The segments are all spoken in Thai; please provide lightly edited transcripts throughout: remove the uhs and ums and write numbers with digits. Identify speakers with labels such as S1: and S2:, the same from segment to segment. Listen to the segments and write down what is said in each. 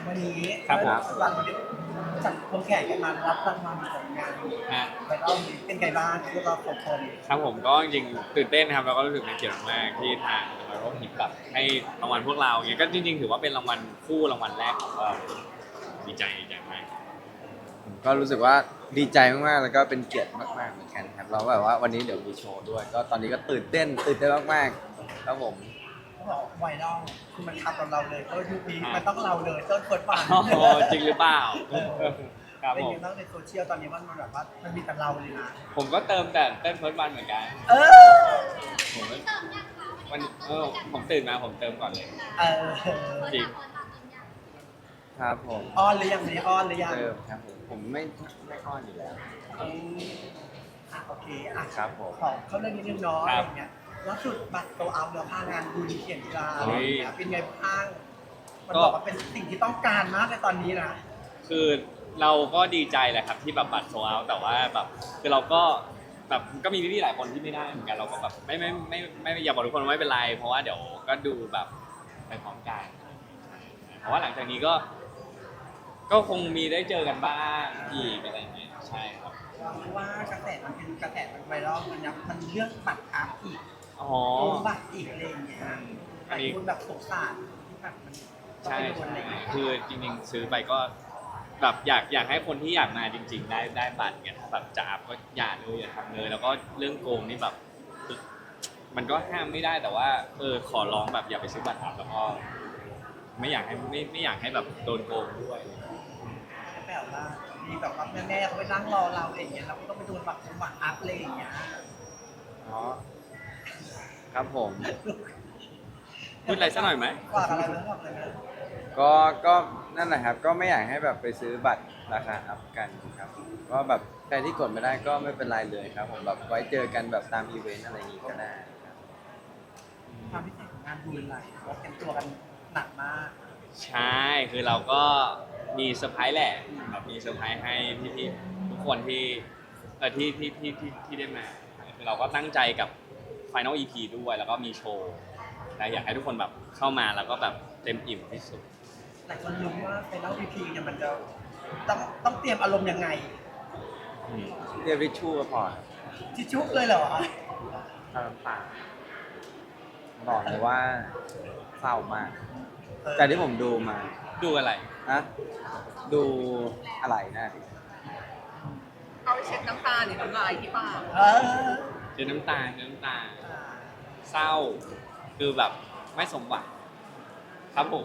S1: วันนี้
S2: ครับผม
S1: วันนี้จัดโปรแกรมกันมารับรางวัลของงาน
S2: ฮะ
S1: ไปรอบนี้เป็นไงบ้างพวกเราสองคน
S2: ครับผมก็จริงๆตื่นเต้นนะครับแล้วก็รู้สึกเป็นเกียรติมากที่ทางเราก็หิบแบบให้รางวัลพวกเราอย่างเงี้ยก็จริงๆถือว่าเป็นรางวัลคู่รางวัลแรกของเราดีใจมาก
S3: ผมก็รู้สึกว่าดีใจมากๆแล้วก็เป็นเกียรติมากๆเหมือนกันครับเราแบบว่าวันนี้เดี๋ยวมีโชว์ด้วย ก็ตอนนี้ก็ตื่นเต้นมากๆครับผม
S1: เขาบอกไวรัลคือมันทับกับเราเลยก็ยุคนี้มันต้องเราเลยต้นเปิดฝัน
S2: โอ้โหจริงหรือเปล่าครับ
S1: เป็น
S2: ผม
S1: ไงบ้างในโซเชียลตอนนี้มันแบบว่ามันมีแต่เราเลยนะ
S2: ผมก็เติมแต่เต้นเฟิร์สวันเหมือนกัน
S1: เออ
S2: ผมก็วันผมตื่นมาผมเติมก่อนเลย
S1: เออ
S2: จริง
S3: ครับผม
S1: อ้อนหรือยังนี่อ้อนหรือยัง
S3: เติมครับผมไม่อ้อนอยู่แล้ว
S1: อืมโอเคอ่ะ
S3: ครับผม
S1: ขอเข้าเรื่องนิดนึงเนาะอะไรอย่างเงี้ยล่าสุดบัตรโตเอาเดี๋ยวพางานบุญเขียนกีฬาอะไรอย่างเงี้ยเป็นไงบ้างมันบอกว่าเป็นสิ่งที่ต้องการมากในตอนนี้นะ
S2: คือเราก็ดีใจแหละครับที่แบบบัตรโซลเอาท์แต่ว่าแบบคือเราก็แบบก็มีพี่ๆหลายคนที่ไม่ได้เหมือนกันเราก็แบบไม่อยากบอกทุกคนว่าไม่เป็นไรเพราะว่าเดี๋ยวก็ดูแบบไปพร้อมกันเพราะว่าหลังจากนี้ก็คงมีได้เจอกันบ้างอีกอะไรอย่างเงี้ยใช่ครับ
S1: เพราะว่ากระแสมันเป็นกระแสมันไวรัลมันยังมันเรื่องบัตรอาร์ตอีก
S2: อ๋อ
S1: โกงบัตรอีกอะไรอย่างเงี้ยห
S2: อั
S1: ลาน ย
S2: นี้
S1: คนแบบสงสารที่แบบมันต้อง
S2: ใช่
S1: ไปโดนอะไรอย่างเงี้ย
S2: คือจริงๆซื้อไปก็แบบอยากให้คนที่อยากมาจริง ๆ ได้บัตรเนี่ยถ้าแบบจะอัพก็อย่าเลยอย่าทำเลยแล้วก็เรื่องโกงนี่แบบคือมันก็ห้ามไม่ได้แต่ว่าขอร้องแบบอย่าไปซื้อบัตรอัพแล้วก็ไม่อยากให้แบบโดนโกงด้วย
S1: แบบว่ามีแบบว่าแม่ๆเขาไปนั่งรอเราอะไรอย่างเงี้ยเราก็ต้องไปโดนบัตรอัพอะไรอย่างเงี้ย
S3: อ๋อครับผม
S2: พูดอะไรสักหน่อยไหม
S1: ฝากอะไรนะฝากอะไรนะ
S3: ก็นั่นแหละครับก็ไม่อยากให้แบบไปซื้อบัตรราคาอัพกันครับก็แบบใครที่กดไม่ได้ก็ไม่เป็นไรเลยครับผมแบบไว้เจอกันแบบตามอีเวนต์อะไรอย่างงี้ก็ได้ครับ
S1: ความพิเศษของงานบุญอะไรเราเตรียมตัวกันหนักมาก
S2: ใช่คือเราก็มีเซอร์ไพรส์แหละแบบมีเซอร์ไพรส์ให้พี่ๆทุกคนที่ที่ได้มาคือเราก็ตั้งใจกับ Final EP ด้วยแล้วก็มีโชว์และอยากให้ทุกคนแบบเข้ามาแล้วก็แบบเต็มอิ่มที่สุด
S1: หลายคนรู้ว่าไฟนอลพีพีเนี่ยมันจะต้องเตรียมอารมณ์ยังไง
S3: เรียกวิชชูก็พอ
S1: ทิชชุกเลยเหรอ
S3: ตามปากบอกเลยว่าเศร้ามาก จากที่ผมดูมา
S2: ดูอะไร
S3: นะดูอะไรนะ
S4: เอาไปเช็ดน้ำตาหรือน้ำลายที่ปาก
S1: เออ
S2: เจอน้ำตาเศร้าคือแบบไม่สมหวังครับผม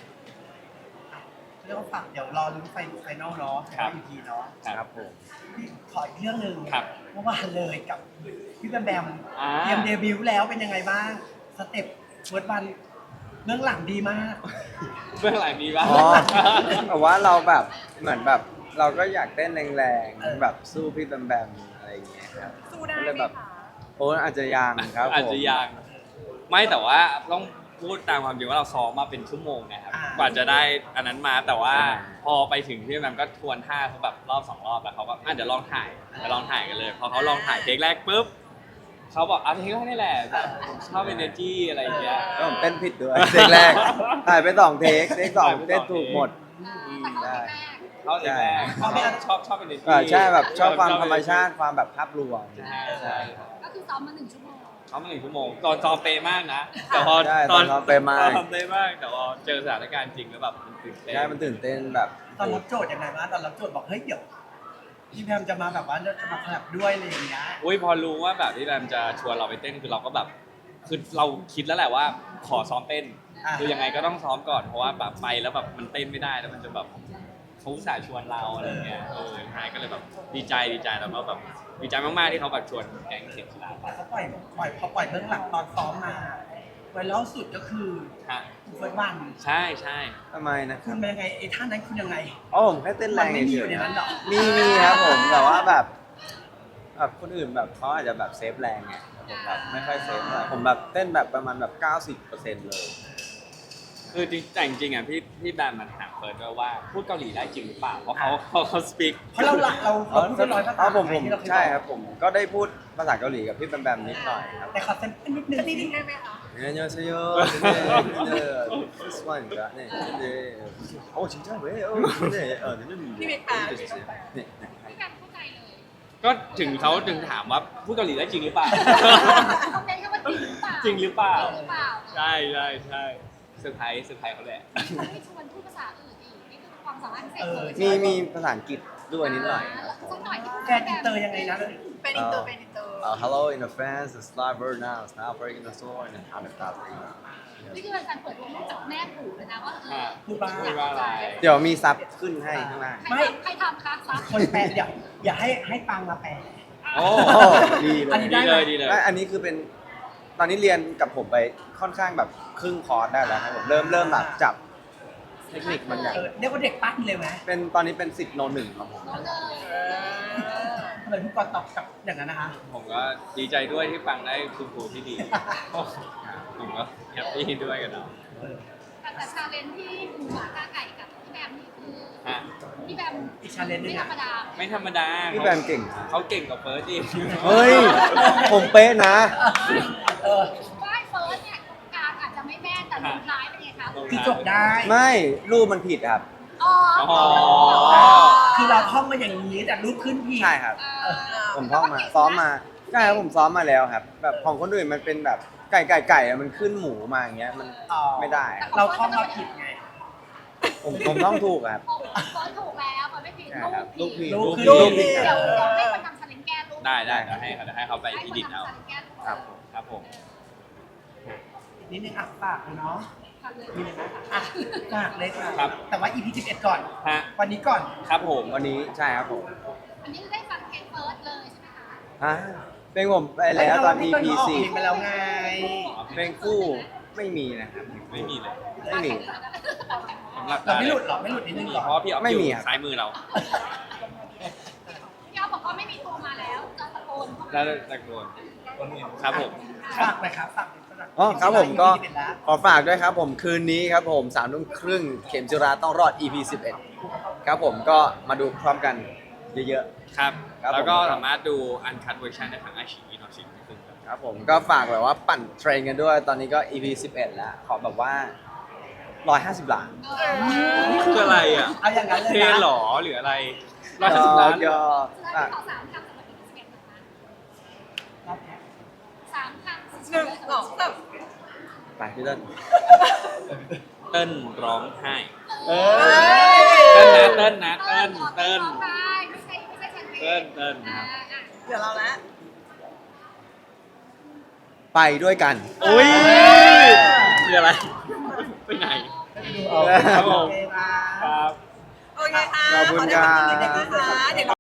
S1: เรื่องฝากเดี๋ยวรอลุ้นไฟนอลเนาะ
S2: ครับ
S1: พีพีเนาะ
S3: ครับผม
S1: พี่ขออีกเรื่องหนึ่ง
S2: ครับ
S1: เมื่อวานเลยกับพี่แบมแบม
S2: อ่า
S1: เตรียมเดบิวต์แล้วเป็นยังไงบ้างสเต็ปเวิร์ดวันเรื่องหลังดีมาก
S2: เบื้องหลังมีบ้าง
S3: อ๋อแต่ว่าเราแบบเหมือนแบบเราก็อยากเต้นแรงๆแบบสู้พี่แบมแบมอะไรอย่างเงี้ยครับ
S4: สู้ได้
S3: ก็
S4: ไห
S3: เล
S4: ม
S3: ยแบบ
S4: คะ
S3: โอ้อาจจะยังครับผม
S2: อาจจะยังไม่แต่ว่าต้องพูดตามความจริงว่าเราซ้อมมาเป็นชั่วโมงนะครับ
S1: อ่าก
S2: ว่าจะได้อันนั้นมาแต่ว่าพอไปถึงที่มันก็ทวนท่าเขาแบบรอบ2 รอบแล้วเขาก็เดี๋ยวลองถ่ายกันเลยพอเขาลองถ่ายเทคแรกปุ๊บเขาบอกเทคแรกนี่แหละแบบชอบ energy อะไรอย่างเงี้ย
S3: ก็ผมเต้นผิดด้วยเทคแรกถ่ายไป2เทคสองเต้นถูกหมดได้
S2: เขาเทคแรกชอบ energy
S3: ใช่แบบชอบความธรรมชาติความแบบภาพรวม
S2: ใช่
S5: ก็คือซ้อมมา1 ชั่วโมง
S2: เขามา1 ชั่วโมงตอนซ้อมเป๊ะมากนะแต่พอ
S3: ใช่ตอนซ้อมเป๊ะมาก
S2: ตอนซ้อมเป๊ะมากแต่พอเจอสถานการณ์จริงแล้วแบบมันตื่นเต้น
S3: ใช่มันตื่นเต้นแบบ
S1: ตอนรับโจทย์ยังไงบ้างตอนรับโจทย์บอกเฮ้ยเดี๋ยวพี่แบมจะมาแบบว่าจะมาแคลบด้วยอะไรอย่างเงี้ย
S2: อุ้ยพอรู้ว่าแบบที่แรมจะชวนเราไปเต้นคือเราก็แบบคือเราคิดแล้วแหละว่าขอซ้อมเต้น
S1: อ่า
S2: คือยังไงก็ต้องซ้อมก่อนเพราะว่าแบบไปแล้วแบบมันเต้นไม่ได้แล้วมันจะแบบเขาอุตส่าห์ชวนเราอะไรเงี้ยท้ายก็เลยแบบดีใจแล้วก็แบบดีใจมากๆที่เขาแบบชวนแก๊งเสียงกีฬาไป
S1: เขาปล่อยเบื้องหลังตอนซ้อมมาไวรัลสุดก็คือ
S2: ฮะ
S1: เฟิร์สวัน
S2: ใช่
S3: ทำไมนะค
S1: คุ
S3: รั
S1: ณ
S3: บ
S1: เป็นยังไงไอ้ท่านั้นคุณยังไง
S3: อ๋อผมแค่เต้นแรง
S1: มันไม่มี
S3: เฉ
S1: อยู่
S3: ย
S1: ในนั้นหรอ
S3: ๆมีครับผมแต่ว่าแบบคนอื่นแบบเขาอาจจะแบบเซฟแรงไงผมแบบไม่ค่อยเซฟเท่าไหร่ผมแบบเต้นแบบประมาณแบบ90%เลย
S2: คือจริงแต่จริงๆอ่ะพี่แบมมันถามเฟิร์สด้วยว่าพูดเกาหลีได้จริงหรือเปล่าเพราะเขาสปีก
S1: เพราะเราพูดเป็นร้อยภาษา
S3: ผม
S1: ที่เราเคย
S3: ใช่ครับผมก็ได้พูดภาษาเกาหลีกับพี่แบมแบมนิดหน่อยครับ
S1: แต่ขอเส้นนิดนึง
S4: จะนิดนึงได้ไหมคะ
S3: 안녕하세요. 네, this one가 네, 근데 진짜 왜요? 네,
S4: พี่บิ๊กแปล
S3: 네.
S5: พี่กันเข้าใจเลย
S2: ก็ถึงเขาถึงถามว่าพูดเกาหลีได้จริงหรือเปล่า
S5: เขาเน้นแค่ว่าจริงหรือเปล่า
S2: จริงหรือเปล่า
S5: จริงหรือเปล่า
S2: ใช่ใช่ใช่เซอร์ไพรส์เขาแหละ
S5: ไม่ชวนพูดภาษาอื่นอีกนี่คือความสามารถพิเศษเลย
S3: มีภาษาอังกฤษด้วยนิดหน่อย
S5: สักหน่อยที่
S1: แกนอินเตอร์ยังไงนะ
S4: เป็นอินเตอร์เป็นอินเตอร์
S3: Hello in the fans, it's live right now. It's now breaking the store and how to stop it.
S5: นี่คือการเปิดวงจากแม่ผูเลยนะว่า
S2: พูด
S1: พูดบ้าง
S2: ว่าอะไร
S3: เดี๋ยวมีซับขึ้นให้ข้างล่าง
S5: ใครทำคะซับ
S1: คนแปลอย่าให้ปังมาแปล
S2: โอ้
S3: ดีเล
S1: อัน
S3: ย
S1: นี้
S2: ดีเลยดีเลย
S3: อันนี้คือเป็นตอนนี้เรียนกับผมไปค่อนข้างแบบครึ่งคอร์สได้แล้วครับผมเริ่มแบบจับเทคนิคบางอย่าง
S1: เรียกว่าเด็กปั้นเลยไหม
S3: เป็นตอนนี้เป็นสิทธิ์โนหนึ่งครับผม
S5: น้องเลย
S1: ทำไมพี่กรณ์ตอบกลับอย่างนั้นนะคะ
S2: ผมก็ดีใจด้วยที่ฟังได้คุณครูที่ดี ผมก็แฮปปี้ด้วยกันเนาะ
S5: แต่ชาเลนจ์ที่หมูหมากาไก่กับพี่แบมนี่คือ
S2: ฮะ
S5: พี่แบม
S1: อีก challenge หนึ่
S5: ไม่
S1: ง
S5: ธ
S1: อะ
S5: รรมดา
S2: ไม่ธรรมดา
S3: พี่แบมเก่ง
S2: เขาเก่งกว่าเฟิร์สอีก
S3: เฮ้ย ผมเป๊ะนะ
S1: เออ
S5: ว่ายเฟิร์สเนี่ยกลางอาจจะไม่แม่นแต่ลงท้ายเป็นไงคะ
S1: คือจบได้
S3: ไม่รูปมันผิดครับ
S5: อ๋อ
S2: อ๋อ
S1: คือเราท่องมาอย่างนี้แต่รูปขึ้นผิด
S3: ใช่ครับ ผมท่องมาซ้อมมาใช่ครับผมซ้อมมาแล้วครับ แบบของคนอื่นมันเป็นแบบไก่อะมันขึ้นหมูมาอย่างเงี้ยมัน
S1: อ๋อ
S3: ไม่ได้
S1: เราท่องมาผิดไง
S3: ผมต้องถูกครับ
S5: เฟิร์สถูกแล้วมันไม่ผิด
S3: ใช่ครับลูกผิด
S1: ลูก
S3: ผิด
S1: ลูก
S3: ลูกผิด
S5: เดี๋ยวให้คนทำชาเลนจ์แก้ลูก
S2: ได้เดี๋ยวให้เขาไปอีดิทเอา
S3: ครับ
S2: ครับผม
S1: อีกนิดนึงอ่ะฝากเลยเนาะ
S5: ค่ะเลย
S1: มีเลยนะอ่ะฝากเลยค่ะ
S2: ครับ
S1: แต่ว่า EP 11 ก่อน
S2: ฮะ
S1: วันนี้ก่อน
S2: ครับผม
S3: วันนี้ใช่ครับผม
S5: อันนี้ได้ฟังเพลงเฟิร์สเลยใช่ไหมคะ
S3: อ่ะเพลงผมไปแล้วตอน EP
S1: เพลงไปแล้วไง
S3: 4เพลงคู่ไม่มีนะครับ
S2: ไม่มีเลย
S3: ไม่มี
S2: สำหรับ
S1: เราไม่หลุดหรอไม่หลุดนิดนึงหรอ
S2: เพราะว่าพี่ออฟ
S3: ไม่
S2: อยู่
S3: มีครับ
S2: ซ้ายมือเรา
S5: พี่เอาบอกว่าไม่มีตัวมาแล้วจะตะโกนเข้า
S2: แล้
S5: มาว
S2: ตะโกนครับผม
S1: ฝากเลยครับฝากเลยสำหรับ
S3: อ๋อครับผมก็
S1: EP 11แล้ว
S3: ขอฝากด้วยครับผมคืนนี้ครับผม3 ทุ่มครึ่งเข็มจิราต้องรอด EP 11ครับผมก็มาดูพร้อมกันเยอะ
S2: ครับ
S3: ครับ
S2: แล้วก็
S3: ผม
S2: สามารถดูอันคัดเวอร์ชันได้ทางไอชีอีนอชิงซึ่งครับ
S3: ๆครับผมก็ฝากแบบว่าปั่นเทรนกันด้วยตอนนี้ก็ EP 11แล้วขอแบบว่า150 ล้าน
S2: นี่คืออะไรอ่ะ
S1: เอาอย่างนั้นเลย
S2: เท
S1: นะ
S2: หรอหรืออะไร150 ล้าน
S3: ก็
S5: จะ
S3: อ่ะ
S5: ขอ3 คำสำหรับอีก11นะคะ
S1: รอบแรก
S5: 3 คำ
S4: หนึ่งสองสาม
S3: ไปพี่เต้น
S2: เติ้ลร้องไห้
S1: เอ
S2: เติ้ล
S1: อ
S2: นะเติ้ลนะเติ้ล
S5: เติ้
S2: เติ้
S5: ล
S2: ล
S5: ไม่ใช่แชมเปญ
S2: เติ้ลเติ้ล
S4: เดี๋ยวเราแล้ว
S3: ไปด้วยกัน
S2: อุ้ยคืออะไรไปไหน
S1: ดูเอา
S2: ครับผม
S1: โอเคค่ะ
S2: ครับ
S4: โอเคค่ะ
S3: ขอบคุณครับ
S4: ขอได้คำติดเด็กๆนะคะเดี๋ยว